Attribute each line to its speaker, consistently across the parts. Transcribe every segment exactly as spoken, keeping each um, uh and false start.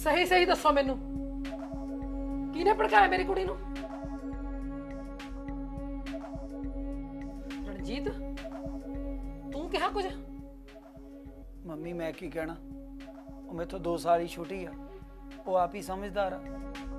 Speaker 1: सही सही दसो मैनू किने भड़काया मेरी कुड़ी नू? रणजीत तू कहा कुछ?
Speaker 2: मम्मी मैं की कहना, वो मेरे तो दो साल ही छोटी आ, वो आप ही समझदार आ।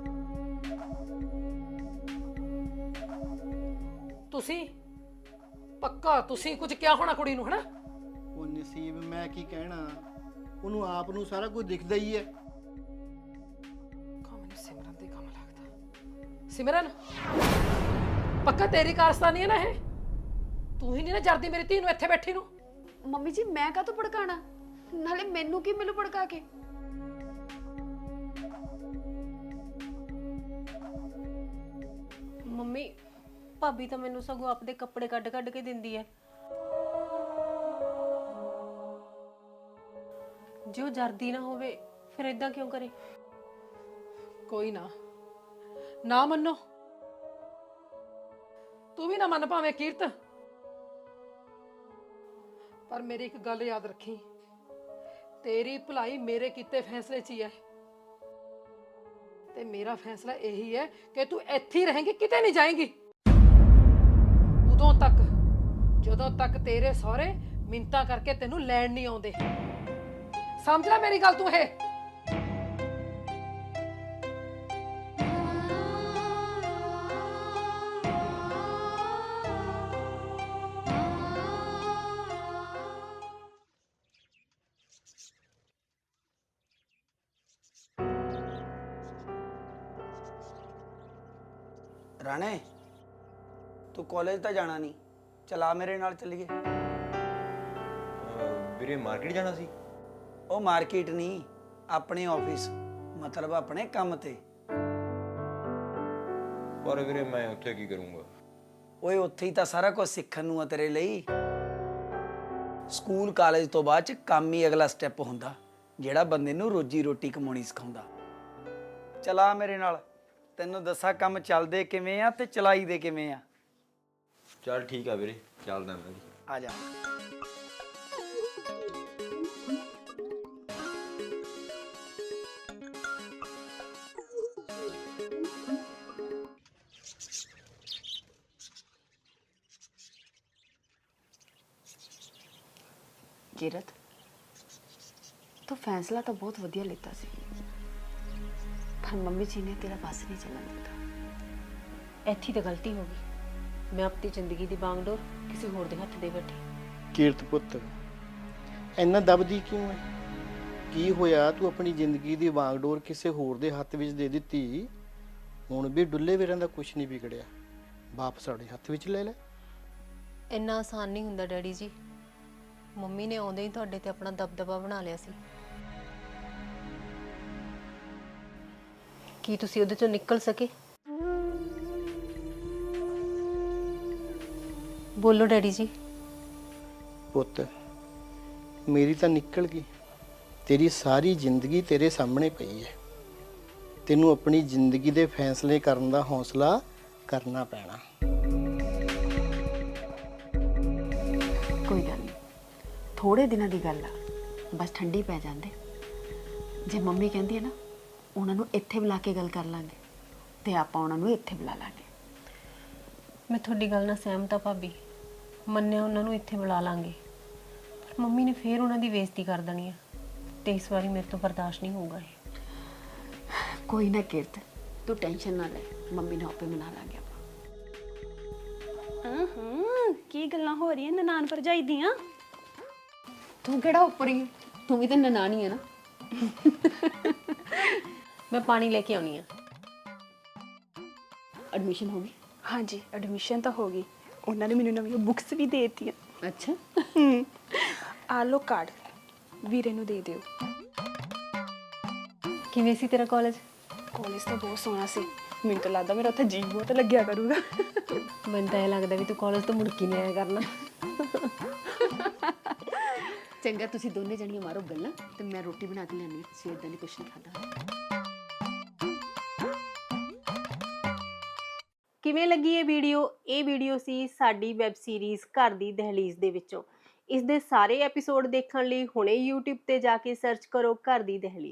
Speaker 1: तुसी पक्का तुसी कुछ क्या होना कुड़ी नू, है ना?
Speaker 3: ਉਹ ਨਸੀਬ ਮੈਂ ਕੀ ਕਹਿਣਾ, ਉਹਨੂੰ ਆਪ ਨੂੰ ਸਾਰਾ ਕੁਝ ਦਿਖਦਾ ਹੀ ਹੈ।
Speaker 1: ਮੈਨੂੰ ਸਿਮਰਨ ਦੇ ਕੰਮ ਲੱਗਦਾ। ਸਿਮਰਨ ਪੱਕਾ ਤੇਰੀ ਕਾਰਸਤਾਨੀ ਹੈ ਨਾ ਇਹ? ਤੂੰ ਹੀ ਨਹੀਂ ਨਾ ਜਰਦੀ ਮੇਰੀ ਧੀ ਨੂੰ ਇੱਥੇ ਬੈਠੀ ਨੂੰ।
Speaker 4: ਮੰਮੀ ਜੀ ਮੈਂ ਕਾਹ ਤੋਂ ਭੜਕਾਣਾ, ਨਾਲੇ ਮੈਨੂੰ ਕੀ ਮਿਲੂ ਭੜਕਾ ਕੇ?
Speaker 5: ਮੰਮੀ ਭਾਬੀ ਤਾਂ ਮੈਨੂੰ ਸਗੋਂ ਆਪਦੇ ਕੱਪੜੇ ਕੱਢ ਕੱਢ ਕੇ ਦਿੰਦੀ ਹੈ। ਜੋ ਜਰਦੀ ਨਾ ਹੋਵੇ ਫਿਰ ਇਦਾਂ ਕਿਉਂ ਕਰੇ?
Speaker 1: ਕੋਈ ਨਾ ਨਾ ਮੰਨੋ, ਤੂੰ ਵੀ ਨਾ ਮੰਨ ਭਾਵੇਂ ਕੀਰਤ, ਪਰ ਮੇਰੀ ਇੱਕ ਗੱਲ ਯਾਦ ਰੱਖੀ, ਤੇਰੀ ਭਲਾਈ ਮੇਰੇ ਕੀਤੇ ਫੈਸਲੇ 'ਚ ਹੀ ਹੈ ਤੇ ਮੇਰਾ ਫੈਸਲਾ ਇਹੀ ਹੈ ਕਿ ਤੂੰ ਇੱਥੇ ਹੀ ਰਹੇਂਗੀ, ਕਿਤੇ ਨਹੀਂ ਜਾਏਂਗੀ ਉਦੋਂ ਤੱਕ ਜਦੋਂ ਤੱਕ ਤੇਰੇ ਸਹੁਰੇ ਮਿੰਨਤਾਂ ਕਰਕੇ ਤੈਨੂੰ ਲੈਣ ਨਹੀਂ ਆਉਂਦੇ। ਸਮਝ ਲੈ ਮੇਰੀ ਗੱਲ ਤੂੰ ਇਹ।
Speaker 2: राणे तू कॉलेज तो जाना नहीं, चला मेरे नाल चलिए।
Speaker 6: ਵੀਰੇ ਮਾਰਕੀਟ ਜਾਣਾ ਸੀ।
Speaker 2: ਉਹ ਮਾਰਕੀਟ ਨਹੀਂ, ਆਪਣੇ ਆਫਿਸ, ਮਤਲਬ ਆਪਣੇ ਕੰਮ ਤੇ।
Speaker 6: ਪਰ ਵੀਰੇ ਮੈਂ ਉੱਥੇ ਕੀ ਕਰੂੰਗਾ?
Speaker 2: ਓਏ ਉੱਥੇ ਹੀ ਤਾਂ ਸਾਰਾ ਕੁਝ ਸਿੱਖਣ ਨੂੰ ਆ ਤੇਰੇ ਲਈ। ਸਕੂਲ ਕਾਲਜ ਤੋਂ ਬਾਅਦ ਚ ਕੰਮ ਹੀ ਅਗਲਾ ਸਟੈਪ ਹੁੰਦਾ ਜਿਹੜਾ ਬੰਦੇ ਨੂੰ ਰੋਜੀ ਰੋਟੀ ਕਮਾਉਣੀ ਸਿਖਾਉਂਦਾ। ਚਲਾ ਮੇਰੇ ਨਾਲ, ਤੈਨੂੰ ਦੱਸਾਂ ਕੰਮ ਚੱਲਦੇ ਕਿਵੇਂ ਆ ਤੇ ਚਲਾਈਦੇ ਕਿਵੇਂ ਆ।
Speaker 6: ਚੱਲ ਠੀਕ ਆ ਵੀਰੇ, ਚੱਲਦਾ ਮੈਂ ਵੀ।
Speaker 2: ਆ ਜਾ।
Speaker 4: ਕੀਰਤ ਤੂੰ ਫੈਸਲਾ ਤਾਂ ਬਹੁਤ ਵਧੀਆ ਲਿੱਤਾ ਸੀ, ਪਰ ਮੰਮੀ ਜੀ ਨੇ ਤੇਰਾ ਬਸ ਨਹੀਂ ਚੱਲਣ ਦਿੱਤਾ।
Speaker 5: ਇੱਥੇ ਤਾਂ ਗਲਤੀ ਹੋ ਗਈ। ਮੈਂ ਆਪਣੀ ਜ਼ਿੰਦਗੀ ਦੀ ਬਾਗਡੋਰ ਕਿਸੇ ਹੋਰ ਦੇ ਹੱਥ ਦੇ ਬੈਠੀ।
Speaker 3: ਕੀਰਤ ਪੁੱਤ ਇੰਨਾ ਦਬਦੀ ਕਿਉਂ ਹੈ? ਕੀ ਹੋਇਆ ਤੂੰ ਆਪਣੀ ਜ਼ਿੰਦਗੀ ਦੀ ਵਾਂਗਡੋਰ ਕਿਸੇ ਹੋਰ ਦੇ ਹੱਥ ਵਿੱਚ ਦੇ ਦਿੱਤੀ? ਹੁਣ ਵੀ ਡੁੱਲੇ ਵੀਰਾਂ ਦਾ ਕੁਝ ਨਹੀਂ ਵਿਗੜਿਆ, ਵਾਪਸ ਸਾਡੇ ਹੱਥ ਵਿੱਚ ਲੈ ਲੈ।
Speaker 5: ਇੰਨਾ ਆਸਾਨ ਨਹੀਂ ਹੁੰਦਾ ਡੈਡੀ ਜੀ। ਮੰਮੀ ਨੇ ਆਉਂਦੇ ਹੀ ਤੁਹਾਡੇ ਤੇ ਆਪਣਾ ਦਬਦਬਾ ਬਣਾ ਲਿਆ ਸੀ। ਕੀ ਤੁਸੀਂ ਉਹਦੇ ਚੋਂ ਨਿਕਲ ਸਕੇ? ਬੋਲੋ ਡੈਡੀ ਜੀ।
Speaker 3: ਪੁੱਤ ਮੇਰੀ ਤਾਂ ਨਿਕਲ ਗਈ, ਤੇਰੀ ਸਾਰੀ ਜ਼ਿੰਦਗੀ ਤੇਰੇ ਸਾਹਮਣੇ ਪਈ ਹੈ। ਤੈਨੂੰ ਆਪਣੀ ਜ਼ਿੰਦਗੀ ਦੇ ਫੈਸਲੇ ਕਰਨ ਦਾ ਹੌਸਲਾ ਕਰਨਾ ਪੈਣਾ।
Speaker 4: ਕੋਈ ਗੱਲ ਨਹੀਂ, ਥੋੜੇ ਦਿਨਾਂ ਦੀ ਗੱਲ ਆ, ਬਸ ਠੰਡੀ ਪੈ ਜਾਂਦੇ। ਜੇ ਮੰਮੀ ਕਹਿੰਦੀ ਹੈ ਨਾ ਉਹਨਾਂ ਨੂੰ ਇੱਥੇ ਬੁਲਾ ਕੇ ਗੱਲ ਕਰ ਲਾਂਗੇ ਤੇ ਆਪਾਂ ਉਹਨਾਂ ਨੂੰ ਇੱਥੇ ਬੁਲਾ ਲਾਂਗੇ।
Speaker 5: ਮੈਂ ਤੁਹਾਡੀ ਗੱਲ ਨਾਲ ਸਹਿਮਤ ਹਾਂ ਭਾਬੀ। ਮੰਨਿਆ ਉਹਨਾਂ ਨੂੰ ਇੱਥੇ ਬੁਲਾ ਲਾਂਗੇ, ਪਰ ਮੰਮੀ ਨੇ ਫੇਰ ਉਹਨਾਂ ਦੀ ਬੇਇੱਜ਼ਤੀ ਕਰ ਦੇਣੀ ਹੈ ਤੇ ਇਸ ਵਾਰੀ ਮੇਰੇ ਤੋਂ ਬਰਦਾਸ਼ਤ ਨਹੀਂ ਹੋਊਗਾ ਇਹ।
Speaker 4: ਕੋਈ ਨਾ ਕੀਰਤ, ਤੂੰ ਟੈਨਸ਼ਨ ਨਾ ਲੈ, ਮੰਮੀ ਨੂੰ ਆਪੇ ਮਨਾ ਲਾਂਗੇ ਆਪਾਂ।
Speaker 7: ਹਾਂ ਹਾਂ ਕੀ ਗੱਲਾਂ ਹੋ ਰਹੀਆਂ ਨਨਾਣ ਭਰਜਾਈ ਦੀਆਂ?
Speaker 4: ਤੂੰ ਕਿਹੜਾ ਉੱਪਰੀ ਹੈ, ਤੂੰ ਵੀ ਤਾਂ ਨਨਾਣੀ ਹੈ ਨਾ।
Speaker 5: ਮੈਂ ਪਾਣੀ ਲੈ ਕੇ ਆਉਣੀ ਆ।
Speaker 4: ਐਡਮਿਸ਼ਨ ਹੋ ਗਈ?
Speaker 7: ਹਾਂਜੀ ਐਡਮਿਸ਼ਨ ਤਾਂ ਹੋ ਗਈ, ਉਹਨਾਂ ਨੇ ਮੈਨੂੰ ਨਵੀਆਂ ਬੁੱਕਸ ਵੀ ਦੇ ਦਿੱਤੀਆਂ।
Speaker 4: ਅੱਛਾ,
Speaker 7: ਆ ਲੋ ਕਾਰਡ, ਵੀਰੇ ਨੂੰ ਦੇ ਦਿਓ।
Speaker 5: ਕਿਵੇਂ ਸੀ ਤੇਰਾ ਕਾਲਜ?
Speaker 7: ਕਾਲਜ ਤਾਂ ਬਹੁਤ ਸੋਹਣਾ ਸੀ, ਮੈਨੂੰ ਤਾਂ ਲੱਗਦਾ ਮੇਰਾ ਉੱਥੇ ਜੀ ਬਹੁਤ ਲੱਗਿਆ ਕਰੂਗਾ।
Speaker 5: ਮੈਨੂੰ ਤਾਂ ਇਹ ਲੱਗਦਾ ਵੀ ਤੂੰ ਕਾਲਜ ਤੋਂ ਮੁੜ ਕੇ ਨਹੀਂ ਆਇਆ ਕਰਨਾ।
Speaker 4: ਚੰਗਾ ਤੁਸੀਂ ਦੋਨੇ ਜਣੀਆਂ ਮਾਰੋ ਗੱਲਾਂ ਤੇ ਮੈਂ ਰੋਟੀ ਬਣਾ ਕੇ ਲਿਆਉਣੀ, ਸਵੇਰ ਦਾ ਨਹੀਂ ਕੁਛ ਨਹੀਂ ਖਾਧਾ।
Speaker 5: ਕਿਵੇਂ ਲੱਗੀ ਇਹ ਵੀਡੀਓ? ਇਹ ਵੀਡੀਓ ਸੀ ਸਾਡੀ ਵੈਬ ਸੀਰੀਜ਼ ਘਰ ਦੀ ਦਹਲੀਜ਼ ਦੇ ਵਿੱਚੋਂ। ਇਸ ਦੇ ਸਾਰੇ ਐਪੀਸੋਡ ਦੇਖਣ ਲਈ ਹੁਣੇ YouTube ਤੇ ਜਾ ਕੇ ਸਰਚ ਕਰੋ ਘਰ ਦੀ ਦਹਲੀਜ਼।